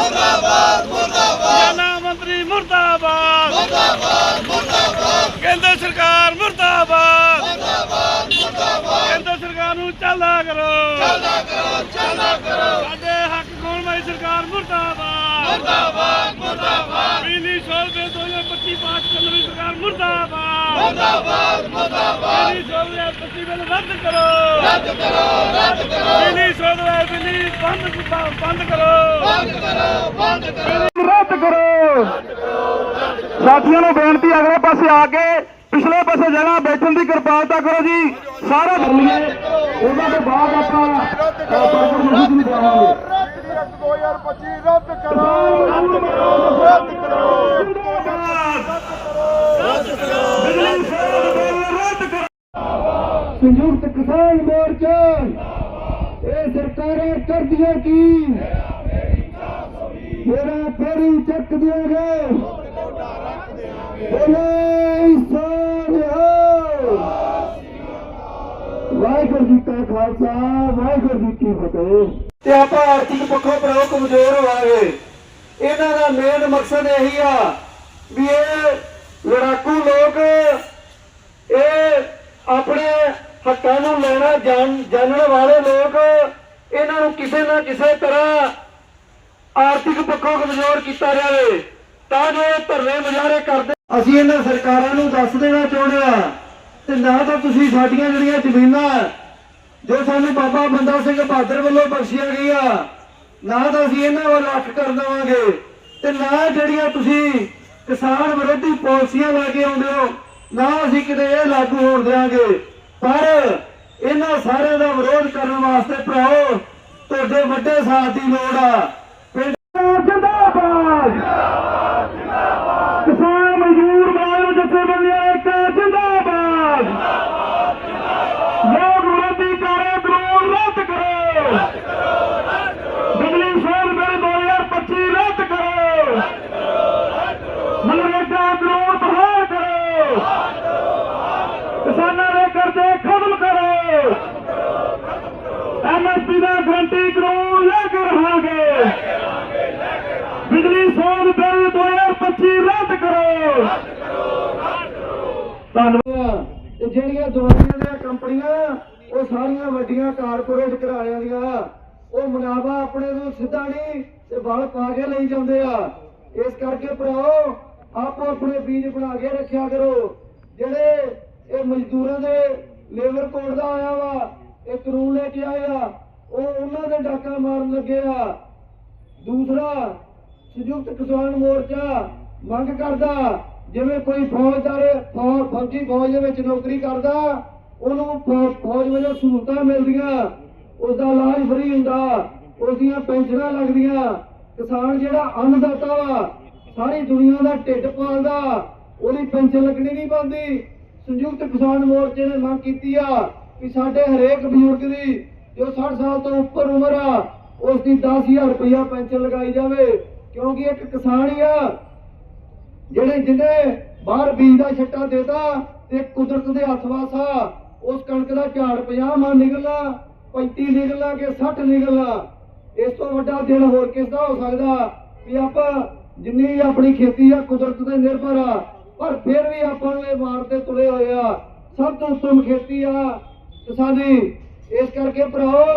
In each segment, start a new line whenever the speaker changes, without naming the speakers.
मुर्दाबाद मुर्दाबाद
मंत्री मुर्दाबाद
मुर्दाबाद मुर्दाबाद
केंद्र सरकार मुर्दाबाद
मुर्दाबाद मुर्दाबाद
केंद्र सरकार नूं चलदा करो
चलदा करो
साडे हक कौलमाई सरकार मुर्दाबाद
मुर्दाबाद मुर्दाबाद
बिजली शोध बिल 2025 पास करने वाली सरकार मुर्दाबाद
मुर्दाबाद मुर्दाबाद
बिजली शोध 2025 बिल रद्द करो
बिजली
शोध बिजली बंद करो
रद्द करो साथियों ने बेनती अगले पासे आके पिछले पासे जगह बैठने की कृपालता करो जी सारा कर लिए उन्होंने बाद संयुक्त किसान मोर्चा ये सरकारें कर दिया की मेरा फेरी चक दिया वाहिगुरू जी का खालसा वाहिगुरू जी की फतेह। आप आर्थिक पक्षों पर कमजोर होवांगे। इन्हां दा मेन मकसद यही आ भी ये लड़ाकू लोग ये अपने हक्कां नूं लेना जानने वाले लोग इन्हां नूं किसी ना किसी तरह आर्थिक पक्षों कमजोर किया जाए तां जो धरने मुजाहरे करते ਅਸੀਂ ਇਹਨਾਂ ਸਰਕਾਰਾਂ ਨੂੰ ਦੱਸ ਦੇਣਾ ਚਾਹੁੰਦੇ ਆ ਤੇ ਨਾ ਤਾਂ ਤੁਸੀਂ ਸਾਡੀਆਂ ਜਿਹੜੀਆਂ ਜ਼ਮੀਨਾਂ ਜੋ ਸਾਨੂੰ ਬਾਬਾ ਬੰਦਾ ਸਿੰਘ ਬਹਾਦਰ ਵੱਲੋਂ ਬਖਸ਼ੀਆਂ ਗਈਆਂ ਨਾ ਤਾਂ ਅਸੀਂ ਇਹਨਾਂ ਵੱਲ ਅੱਖ ਕਰ ਦੇਵਾਂਗੇ ਤੇ ਨਾ ਜਿਹੜੀਆਂ ਤੁਸੀਂ ਕਿਸਾਨ ਵਿਰੋਧੀ ਪਾਲਿਸੀਆਂ ਲੈ ਕੇ ਆਉਂਦੇ ਹੋ ਨਾ ਅਸੀਂ ਕਿਤੇ ਇਹ ਲਾਗੂ ਹੋਣ ਦੇਵਾਂਗੇ। ਪਰ ਇਹਨਾਂ ਸਾਰਿਆਂ ਦਾ ਵਿਰੋਧ ਕਰਨ ਵਾਸਤੇ ਭਰਾਓ ਤੁਹਾਡੇ ਵੱਡੇ ਸਾਥ ਦੀ ਲੋੜ ਆ। ਪਿੰਡ ਜਿੰਦਾਬਾਦ किसान मजदूर मानव जथेबंदियां एकता जिंदाबाद लोग विरोधी कार्य कानून रद्द करो बिजली शोध बिल 2025 रद्द करो मनरेगा कानून बहाल करो किसानों के कर्जे खत्म करो MSP का गारंटी कानून लेकर रहांगे बिजली शोध बिल 2025 रद्द करो धन्यवाद। ਜਿਹੜੀਆਂ ਦਵਾਈਆਂ ਦੀਆਂ ਕੰਪਨੀਆਂ ਉਹ ਸਾਰੀਆਂ ਵੱਡੀਆਂ ਕਾਰਪੋਰੇਟ ਘਰਾਣਿਆਂ ਦੀਆਂ ਉਹ ਮੁਨਾਫਾ ਆਪਣੇ ਤੋਂ ਸਿੱਧਾ ਨਹੀਂ ਤੇ ਵਲ ਪਾ ਕੇ ਲਈ ਜਾਂਦੇ ਆ। ਇਸ ਕਰਕੇ ਭਰਾਓ ਆਪੋ ਆਪਣੇ ਬੀਜ ਬਣਾ ਕੇ ਰੱਖਿਆ ਕਰੋ। ਜਿਹੜੇ ਇਹ ਮਜ਼ਦੂਰਾਂ ਦੇ ਲੇਬਰ ਕੋਡ ਦਾ ਆਇਆ ਵਾ ਇਹ ਕਾਨੂੰਨ ਲੈ ਕੇ ਆਏ ਆ ਉਹ ਉਹਨਾਂ ਦੇ ਡਾਕਾ ਮਾਰਨ ਲੱਗੇ ਆ। ਦੂਸਰਾ संयुक्त किसान मोर्चा मंग करदा जिवें कोई फौजी फौज दे नौकरी करदा उहनूं फौज वजों सहूलतां मिलदियां उसदा इलाज फ्री हुंदा उसदियां पेंशनां लगदियां। किसान जिहड़ा अन्नदाता वा सारी दुनिया दा ढिड पालदा ਉਹਦੀ पेंशन लगनी नहीं पांदी। संयुक्त किसान मोर्चे ने मंग कीती आ कि साडे हरेक बजुर्ग दी जो 60 साल तो उपर उम्र आ उसदी 10,000 रुपया पेंशन लगाई जावे क्योंकि एक किसान ही आ ਜਿਹੜੇ ਜਿਹਨੇ ਬਾਹਰ ਬੀਜ ਦਾ ਛੱਟਾ ਦੇਤਾ ਤੇ ਕੁਦਰਤ ਦੇ ਹੱਥ ਵਾਸਾ ਉਸ ਕਣਕ ਦਾ ਝਾੜ 50 ਮਣ ਨਿਕਲਣਾ 35 ਨਿਕਲਣਾ ਕਿ 60 ਨਿਕਲਣਾ। ਇਸ ਤੋਂ ਵੱਡਾ ਦਿਨ ਹੋਰ ਕਿਸ ਦਾ ਹੋ ਸਕਦਾ ਵੀ ਆਪਾਂ ਜਿੰਨੀ ਵੀ ਆਪਣੀ ਖੇਤੀ ਆ ਕੁਦਰਤ ਤੇ ਨਿਰਭਰ ਆ ਪਰ ਫਿਰ ਵੀ ਆਪਾਂ ਨੂੰ ਇਹ ਮਾਰਦੇ ਤੁਲੇ ਹੋਏ ਆ। ਸਭ ਤੋਂ ਉੱਤਮ ਖੇਤੀ ਆ ਕਿਸਾਨੀ। ਇਸ ਕਰਕੇ ਭਰਾਓ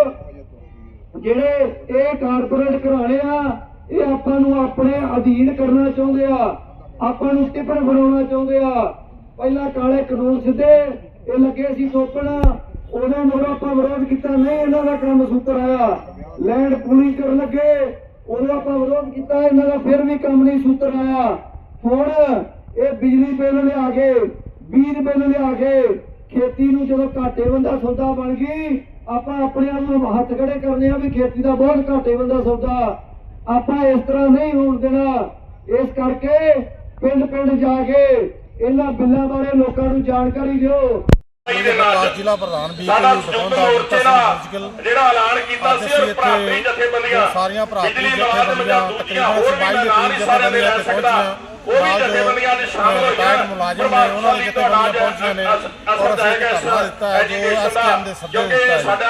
ਜਿਹੜੇ ਇਹ ਕਾਰਪੋਰੇਟ ਘਰਾਣੇ ਆ ਇਹ ਆਪਾਂ ਨੂੰ ਆਪਣੇ ਅਧੀਨ ਕਰਨਾ ਚਾਹੁੰਦੇ ਆ ਆਪਾਂ ਨੂੰ ਟਿੱਪਣ ਬਣਾਉਣਾ ਚਾਹੁੰਦੇ ਆ। ਪਹਿਲਾਂ ਕਾਲੇ ਕਾਨੂੰਨ ਸਿੱਧੇ ਇਹ ਲੱਗੇ ਸੀ ਥੋਪਣ ਉਹਨਾਂ ਨੂੰ ਆਪਾਂ ਵਿਰੋਧ ਕੀਤਾ ਨਹੀਂ ਇਹਨਾਂ ਦਾ ਕੰਮ ਸੂਤਰ ਆਇਆ। ਲੈਂਡ ਪੂਲਿੰਗ ਕਰਨ ਲੱਗੇ ਉਦੋਂ ਆਪਾਂ ਵਿਰੋਧ ਕੀਤਾ ਇਹਨਾਂ ਦਾ ਫਿਰ ਵੀ ਕੰਮ ਨਹੀਂ ਸੂਤਰ ਆਇਆ। ਹੁਣ ਇਹ ਬਿਜਲੀ ਬਿੱਲ ਲਿਆ ਕੇ ਬੀਜ ਬਿੱਲ ਲਿਆ ਕੇ ਖੇਤੀ ਨੂੰ ਜਦੋਂ ਘਾਟੇ ਬੰਦਾ ਸੌਦਾ ਬਣ ਗਈ ਆਪਾਂ ਆਪਣੇ ਆਪ ਨੂੰ ਹੱਥ ਖੜੇ ਕਰਨੇ ਆ ਵੀ ਖੇਤੀ ਦਾ ਬਹੁਤ ਘਾਟੇ ਬੰਦਾ ਸੌਦਾ ਆਪਾਂ ਇਸ ਤਰ੍ਹਾਂ ਨਹੀਂ ਹੋਣ ਦੇਣਾ। ਇਸ ਕਰਕੇ ਪਿੰਡ ਪਿੰਡ ਜਾ ਕੇ ਇਹਨਾਂ ਬਿੱਲਾਂ ਬਾਰੇ ਲੋਕਾਂ ਨੂੰ ਜਾਣਕਾਰੀ ਦਿਓ।
ਜ਼ਿਲ੍ਹਾ ਪ੍ਰਧਾਨ ਸਾਡਾ ਸੰਯੁਕਤ ਮੋਰਚੇ ਦਾ ਜਿਹੜਾ ਐਲਾਨ ਕੀਤਾ ਸੀ ਔਰ ਭਰਾਤਰੀ ਜਥੇਬੰਦੀਆਂ ਸਾਰੀਆਂ ਭਰਾਤਰੀ ਜਥੇਬੰਦੀਆਂ ਤਕਰੀਬਨ 22 ਜਥੇਬੰਦੀਆਂ ਤੇ ਪਹੁੰਚੀਆਂ ਨਾਲ ਜੋ ਰਿਟਾਇਰਡ ਮੁਲਾਜ਼ਮ ਨੇ ਉਹਨਾਂ ਦੀਆਂ ਜਥੇਬੰਦੀਆਂ ਪਹੁੰਚੀਆਂ ਨੇ ਔਰ ਅਸੀਂ ਧਰਨਾ ਦਿੱਤਾ ਹੈ ਜੋ ਐਸਕੇਐਮ ਦੇ ਸੱਦੇ ਦਿੱਤਾ ਹੈ।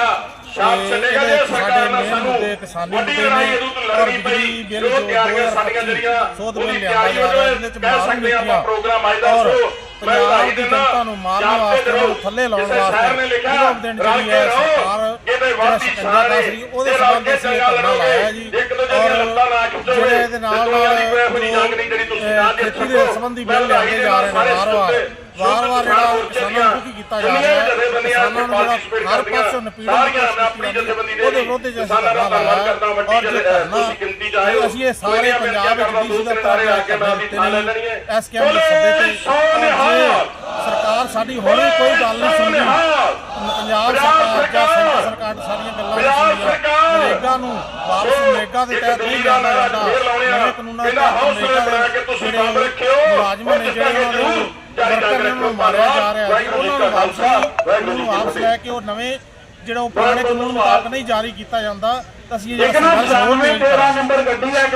ਛਾਪ ਛੱਡੇਗਾ ਜੇ ਸਰਕਾਰ ਨਾਲ ਸਾਨੂੰ
ਕਿਸਾਨੀ
ਵੱਡੀ
ਮੁੱਦੇ
ਲੜਾਈ
ਨੇ
ਇਹਦੋਂ ਤੋਂ
ਔਰ
ਲੜਨੀ ਪਈ
ਬਿਜਲੀ ਬਿੱਲ
ਜੋ
ਜੋ
ਤਿਆਰੀਆਂ ਸਾਡੀਆਂ
2025
ਜਿਹੜੀਆਂ
ਸੋਧ
ਉਹਦੀ
ਬਿੱਲ ਲਿਆਂਦਾ
ਤਿਆਰੀ
ਜਾ ਰਿਹਾ
ਵਜੋਂ
ਜਿਹਦੇ ਚ
ਕਹਿ
ਮਾਰੂ
ਸਕਦੇ ਆਪਾਂ
ਨੀਤੀਆਂ
ਪ੍ਰੋਗਰਾਮ ਅੱਜ ਦਾ
ਔਰ
ਸ਼ੋ ਮੈਂ
ਪੰਜਾਬ
ਵਧਾਈ
ਦੀ
ਦਿੰਦਾ
ਜਨਤਾ ਨੂੰ ਮਾਰਨ
ਜਾਪਦੇ
ਵਾਸਤੇ
ਰਹੋ
ਥੱਲੇ ਲਾਉਣ
ਕਿਸੇ ਸ਼ਹਿਰ ਨੇ
ਵਾਸਤੇ
ਲਿਖਿਆ
ਜਦੋਂ ਦਿਨ
ਰਲ
ਜਿਹੜੀ
ਕੇ
ਹੈ
ਰਹੋ
ਸਰਕਾਰ
ਇਹਦੇ
ਜਿਹੜਾ
ਵਾਦੀ
ਸਕੰਜਾ
ਸਾਰੇ
ਕੱਸ ਰਹੀ ਉਹਦੇ
ਜੇ ਰਲ
ਸੰਬੰਧ
ਕੇ
ਅਸੀਂ
ਚੰਗਾ
ਧਰਨਾ ਲਾਇਆ ਜੀ
ਇੱਕ ਦੂਜੇ ਦੀਆਂ ਲੱਤਾਂ ਨਾ ਖਿੱਚੋਗੇ
ਜਿਹੜੇ ਇਹਦੇ ਨਾਲ
ਜੰਗ ਨਹੀਂ ਜਿਹੜੀ ਤੁਸੀਂ ਨਾ ਦੇ
ਖੇਤੀ ਦੇ ਸੰਬੰਧੀ ਬਿੱਲ ਲਿਆਂਦੇ ਜਾ ਰਹੇ ਨੇ ਵਾਰ-ਵਾਰ ਜਿਹੜਾ ਕਿਸਾਨਾਂ ਨੂੰ ਦੁਖੀ ਕੀਤਾ ਜਾ ਰਿਹਾ ਹੈ ਕਿਸਾਨਾਂ ਨੂੰ ਜਿਹੜਾ ਹਰ ਪਾਸੇ ਨਪੀੜਨ ਉਹਦੇ ਵਿਰੁੱਧ ਜੇ ਅਸੀਂ ਧਰਨਾ ਲਾਇਆ ਔਰ ਜੇ ਧਰਨਾ ਅਸੀਂ ਇਹ ਸਾਰੇ ਪੰਜਾਬ ਵਿੱਚ ਡੀਸੀ ਦਫ਼ਤਰ ਜਾ ਕੇ ਦਿੱਤੇ ਨੇ ਐਸਕੇਐਮ ਦੇ ਸੱਦੇ ਤੇ ਸਰਕਾਰ ਸਾਡੀ ਹੁਣੇ ਕੋਈ ਗੱਲ ਨਹੀਂ ਸੁਣਦੀ ਪੰਜਾਬ ਸਰਕਾਰ ਜਾਂ ਸੈਂਟਰ ਸਰਕਾਰ ਸਾਰੀਆਂ ਗੱਲਾਂ ਨਹੀਂ ਸੁਣਦੀਆਂ ਨਰੇਗਾ ਨੂੰ ਵਾਪਸ ਨਰੇਗਾ ਦੇ ਤਹਿਤ ਨਹੀਂ ਲਿਆਂਦਾ ਜਾਂਦਾ ਨਵੇਂ ਕਾਨੂੰਨਾਂ ਦੇ ਤਹਿਤ ਨਰੇਗਾ ਦੇ ਜਿਹੜੇ ਮੁਲਾਜ਼ਮ ਨੇ ਜਿਹੜੇ ਉਹਨਾਂ ਦੇ ਵਰਕਰ ਨੂੰ ਮਾਰਿਆ ਜਾ ਰਿਹਾ ਜੀ ਉਹਨਾਂ ਨੂੰ ਵਾਪਸ ਲੈ ਕੇ ਉਹ ਨਵੇਂ ਜਿਹੜਾ ਉਹ ਪੁਰਾਣੇ ਕਾਨੂੰਨ ਮੁਤਾਬਕ ਨਹੀਂ ਜਾਰੀ ਕੀਤਾ ਜਾਂਦਾ ਤਾਂ ਅਸੀਂ ਇਹ ਜਿਹੜਾ ਸੰਘਰਸ਼ ਹੋਰ ਤੇਜ਼
13 ਨੰਬਰ ਗੱਡੀ ਹੈ